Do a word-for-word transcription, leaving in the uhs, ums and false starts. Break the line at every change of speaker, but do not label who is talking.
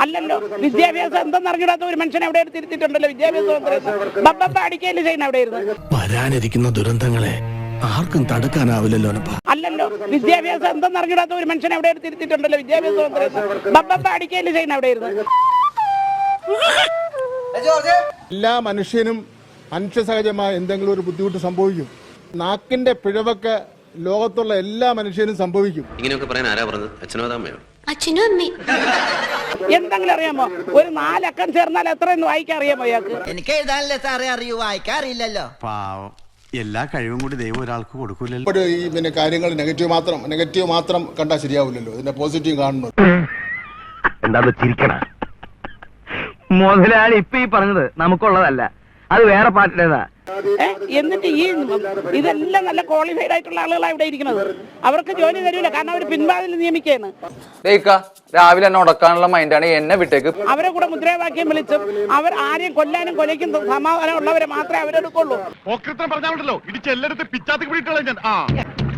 അല്ലല്ലോ, വിദ്യാഭ്യാസം എന്തെന്നറിഞ്ഞിടാത്ത ഒരു മനുഷ്യൻ എവിടെ തിരുത്തിട്ടുണ്ടല്ലോ? വിദ്യാഭ്യാസം ബബ്ബ അടിക്കല് ചെയ്യുന്ന എവിടെയായിരുന്നു?
വരാനിരിക്കുന്ന ദുരന്തങ്ങളെ ആർക്കും തടുക്കാനാവില്ലല്ലോ.
അല്ലല്ലോ, വിദ്യാഭ്യാസം എന്തെന്നറിഞ്ഞിടാത്ത ഒരു മനുഷ്യൻ എവിടെ തിരുത്തിട്ടുണ്ടല്ലോ? വിദ്യാഭ്യാസം ബബ്ബ അടിക്കല് ചെയ്യുന്ന എവിടെയായിരുന്നു?
എല്ലാ മനുഷ്യനും മനുഷ്യ സഹജമായ എന്തെങ്കിലും ഒരു ബുദ്ധിമുട്ട് സംഭവിക്കും. നാക്കിന്റെ പിഴവൊക്കെ ലോകത്തുള്ള എല്ലാ മനുഷ്യനും സംഭവിക്കും.
ഇങ്ങനെയൊക്കെ പറയാൻ ആരാ പറഞ്ഞത്? അച്ഛനോ അമ്മയോ?
അച്ഛനും അമ്മയും.
എന്തെങ്കിലും അറിയാമോ? ഒരു നാലക്കം ചേർന്നാൽ എത്രയെന്ന് വായിക്കാൻ അറിയാമോ ഇയാൾക്ക്?
എനിക്ക് എഴുതാനല്ലേ സാറേ അറിയൂ, വായിക്കാൻ അറിയില്ലല്ലോ.
പാവം, എല്ലാ കഴിവും കൂടി ദൈവം ഒരാൾക്ക് കൊടുക്കൂലല്ലോ.
ഇപ്പോൾ ഈ പിന്നെ കാര്യങ്ങൾ നെഗറ്റീവ് മാത്രം നെഗറ്റീവ് മാത്രം കണ്ടാൽ ശരിയാവില്ലല്ലോ. ഇതിന്റെ പോസിറ്റീവ് കാണുന്നത്
എന്താ ചിരിക്കണ മുതലാളി ഇപ്പൊ ഈ പറഞ്ഞത് നമുക്കുള്ളതല്ല, അത് വേറെ പാർട്ടിയുടേതാ.
എന്നിട്ട് ഈ ഇതെല്ലാം നല്ല ക്വാളിഫൈഡ് ആയിട്ടുള്ള ആളുകളാണ് ഇവിടെ ഇരിക്കുന്നത്. അവർക്ക് ജോലി തരൂല, കാരണം അവർ പിൻവാതിൽ നിയമിക്കുകയാണ്.
രാവിലെ എന്നെ ഉടക്കാനുള്ള മൈൻഡാണ്, എന്നെ വിട്ടേക്ക്.
അവരെ കൂടെ മുദ്രാവാക്യം വിളിച്ചും അവർ ആരെയും കൊല്ലാനും കൊലയ്ക്കും സമാധാനം ഉള്ളവരെ മാത്രമേ അവരെടുക്കുള്ളൂ.
പറഞ്ഞാൽ ഇടിച്ച് എല്ലായിടത്തും പിച്ചാത്തി പിടിയിട്ടുള്ള ഞാൻ